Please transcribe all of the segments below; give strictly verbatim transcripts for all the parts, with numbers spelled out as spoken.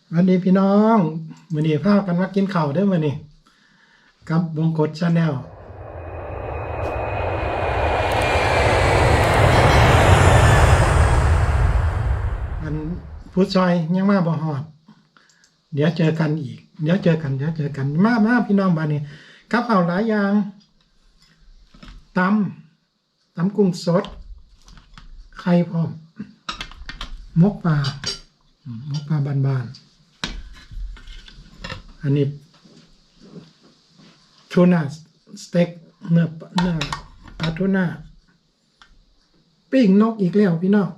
วันนี้พี่น้องมื้อนี้พากันมากินข้าวเด้อมื้อนี้กับบงกฎ Channel อันผู้ซอยยังมาบ่ฮอดเดี๋ยวเจอกันอีกเดี๋ยวเจอกันเดี๋ยวเจอกันมามาพี่น้องบ้านนี้กับข้าวหลายอย่างตำตำกุ้งสดไข่พร้อมมกปลาอืมมกปลาบ้านๆอันนี้ทูน่าสเต็กเนื้อเนื้อปลาทูน่าปิ้งนกอีกแล้วพี่น้อง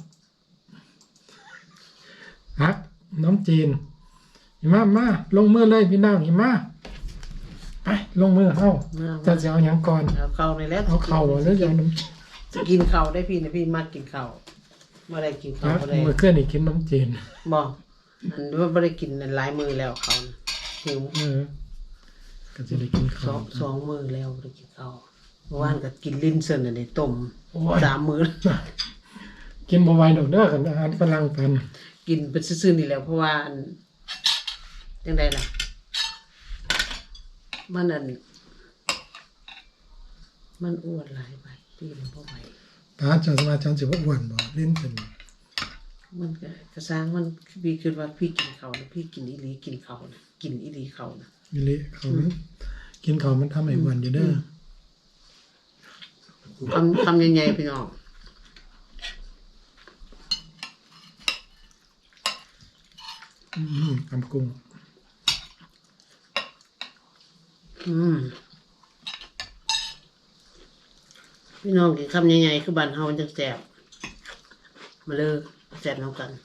ฮักน้ำจีนหิมะมาลงมือเลยพี่น้องหิมะไปลงมือเข้าจะจะเอาอย่างก่อนเอาเข่าในแล้วเอาเข่าแล้วจะเอาน้จะกินเข่าได้พี่นะพี่มากกินเข่าเมื่อไรกินำเข่าครับเมื่อไรมือเคลื่อนอีกกินน้ำจีนบอกอันนี้ว่าไม่ได้กินหลายมือแล้วเขานะหิวเออก็จะได้กินสข้าอวงสองมือแล้วไม่ได้กินเข่าเมื่อวานก็กินลิ้นเส้นอันนี้ต้มโอ้ยสามมือกินบ่ไหวดอกเด้อกันอาหารฝรั่งกันกินเป็นซื่อๆนี่แหล้วเพราะว่าอันยังไงล่ะมันอันมันอ้วนหลายไปพี่เลยพ่อไปตาจะมาจันสิบ่อ้วนบ่เล่นเป็นมันก็กระซ้างมันพี่คิดว่าพี่กินเขานะพี่กินอีหลีกินเขานะกินอีหลีเขานะมิลิเขามันกินข้าวมันทำให้อ้วนอยู่เด้อทำทำยังไงพี่น้องอืมตำกุ้งอืมพี่น้องกินคำยังไงคือบ้านเฮามันจะแสบมาเลยแสบน้ำกัน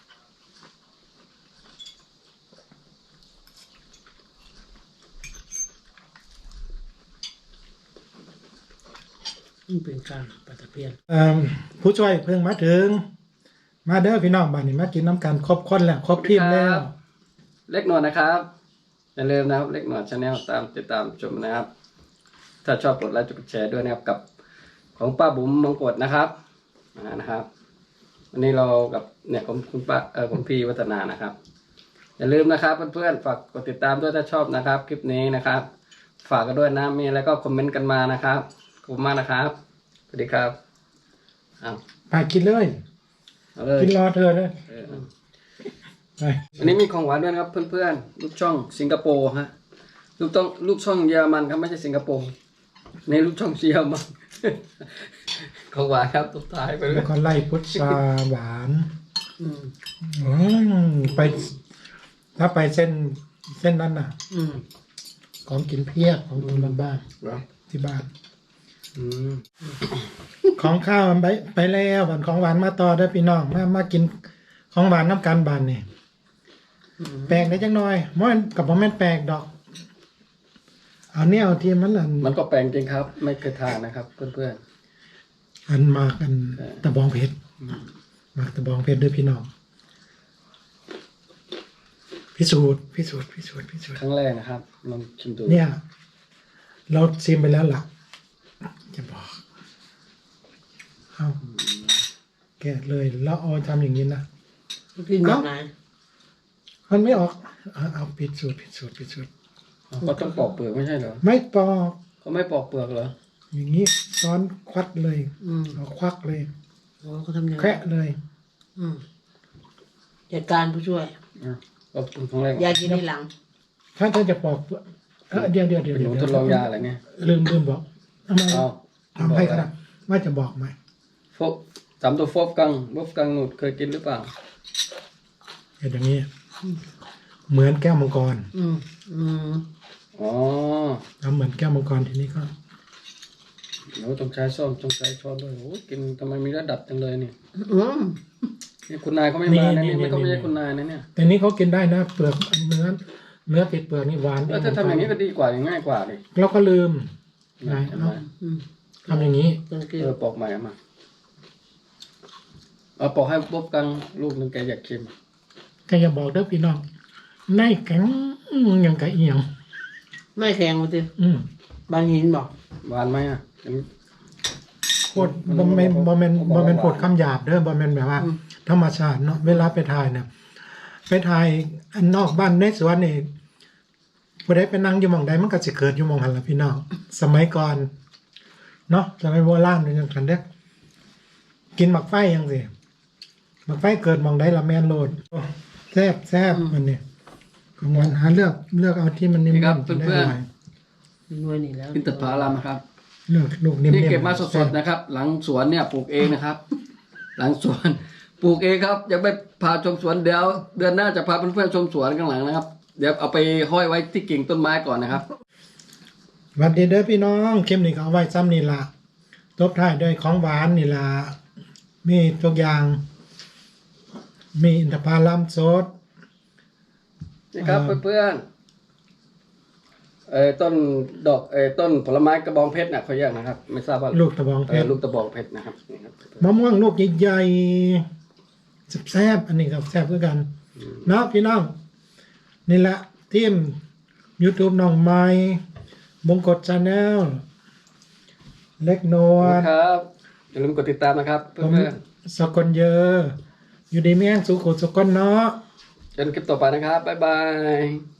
นี่เป็นการปลาตะเพียนเอ่อผู้ช่วยเพิ่งมาถึง มาเด้อพี่น้องบ้านนี้มากินน้ำกันครบคนแล้วครบทีมแล้วเล็กหนวดนะครับอย่าลืมนะครับเล็กหนวดชาแนลตามติดตามชมนะครับ ถ้าชอบกดไลค์กดแชร์ด้วยนะครับกับของป้าบุ๋มมงกฎนะครับอ่านะครับวันนี้เรากับเนี่ยผมคุณป้าเออผมพี่วัฒนานะครับ อย่าลืมนะครับเพื่อนๆฝากกดติดตามด้วยถ้าชอบนะครับคลิปนี้นะครับ ฝากกันด้วยนะมีอะไรก็คอมเมนต์กันมานะครับขอบคุณมากนะครับสวัสดีครับอ้าวไปกินเลยเอาเลยกินรอเธอเลยเออไปวันนี้มีของหวานด้วยนะครับเพื่อนๆลูกช่องสิงคโปร์ฮะลูกต้องลูกช่องเยอรมันครับไม่ใช่สิงคโปร์ในลูกช่องเยอรมัน ของหวานครับตุ๊ท้ายไปเลแล้ยวก็ไล่พุทราหวานอืมอืมไป ถ้าไปเส้นเส้นนั้นน่ะอืมของกินเพียบของกินบ้านเหรอๆที่บ้านอืมของข้าวมันไปไปแล้วบันของหวานมาต่อเด้อพี่น้องมามากินของหวานน้ำกันบานนี่อืมแปลกได้จังหน่อยมันกับบ่แม่นแปลกดอกเอาเนี่ยเอาที่มันอันมันก็แปลงจริงครับ ไม่เคยทานนะครับ เพื่อนอันมากอันใช่ตะบองเพชรมากตะบองเพชรเด้วยพี่น้องพิสูจน์พิสูจน์พิสูจน์พิสูจๆน์ครั้งแรกนะครับลองชิมดูเนี่ย เราชิมไปแล้วล่ะ จะบอกเอาแกะเลยแล้วเอาทำอย่างนี้นะกินแบบไหนมันไม่ออกเอาเอาพิสูจน์พิสูจน์พิสูจน์ก็ต้องปอกเปลือกไม่ใช่เหรอไม่ปอกเขาไม่ปอกเปลือกเหรออย่างนี้ซ้อนควัดเลยอืมเอาควักเลยโอ้เขาทำยังไงแคะเลยอืมจัดการผู้ช่วยอ่ะก็เป็นครั้งแรกยากินในหลังถ้าถ้าจะปอกเออเดี๋ยวเดี๋ยวเดี๋ยวเป็นหเดี๋ยวนูทดลองยาอะไรเนี่ยลืมลืมบอกทำไมเอาทำให้ขนาดว่าจะบอกไหมฟบสามตัวฟบกังฟบกังหนุดเคยกินหรือเปล่าเห็นอย่างนี้ เหมือนแก้วมังกรอืมอืมอ๋อทำเหมือนแก้วมังกรทีนี้ก็หนูต้องใช้ส้อมต้องใช้ช้อนด้วยโอ้ยกินทำไมมีระดับจังเลยนี่อืมนี่คุณนายเขาไม่มานะนี่ไม่เขาไม่ใช่คุณนายนะเนี่ยแต่นี้เขากินได้นะเปลือกเนื้อเนื้อติดเปลือกนี่หวานแล้วถ้าทำอย่างนี้ก็ดีกว่าง่ายกว่าดิเราก็ลืมไงทำไมเอาอืมทำอย่างนี้กันเกลืเอออปอกใหม่เอามาเอาปอกให้บ๊อบกังลูกหนึ่งแกอยากชิมก็อย่าบอกเด้อพี่น้องในแข็งอย่างกะเอียงไม่แข็งมาสิอืมบางหินบอกหวานไหมอ่ะเห็นโคตรบ่แม่นบ่แม่นบ่แม่นโคตรคำหยาบเด้อบ่แม่นแบบว่า ธรรมชาติเนาะเวลาไปถ่ายเนี่ยไปถ่ายอันนอกบ้านในสวนนี่ผู้ใดไปนั่งอยู่หม่องใดมันก็สิเกิดอยู่หม่องหันล่ะพี่น้องสมัยก่อนเนาะสมัยโบราณนี่จังซั่นเด้อกินหมักไฟจังซี่หมักไฟเกิดหม่องใดละแม่นโลดโอ้แซ่บแซ่บมันนี่กลางวันหาเลือกเลือกเอาที่มันนิ่มนี่ครับๆจะได้เพื่อนๆร่ยหน่วยนี่แล้วอินทผลัมนะครับเลือกลูกนิ่มๆที่เก็บมาสแซ่ดๆนะครับ หลังสวนเนี่ยปลูกเองนะครับ หลังสวนปลูกเองครับยังไม่พาชมสวนเดี๋ยวเดือนหน้าจะพาเพื่อนๆชมสวนข้างหลังนะครับ เดี๋ยวเอาไปห้อยไว้ที่กิ่งต้นไม้ก่อนนะครับสวัสดีเด้อพี่น้องคลิปนี้ก็เอาไว้ซ้ำนี่ล่ะตบท้ายด้วยของหวานนี่ล่ะมีทุกอย่าง มีอินทผลัมสดนี่ครับอ่าเพื่อนๆเอ่อต้นดอกเอ่อต้นผลไม้กระบองเพชรนะเขาเรียกนะครับ ไม่ทราบว่าลูกตะบองเพเอ่อชรลูกตะบองเพชรนะครับนี่ครับมะม่วงลูกใหญ่ๆแซ่บๆอันนี้ก็แซ่บคือกันเนาะพี่น้อง นี่แหละทีม YouTube น้องไม้มงกฎชาแนลเล็กนวลครับอย่าลืมกดติดตามนะครับผมเพื่อนสกลเยอะ อยู่ดีแม่งสุขุสกลเนาะๆเจอกันคลิปต่อไปนะครับบ๊ายบาย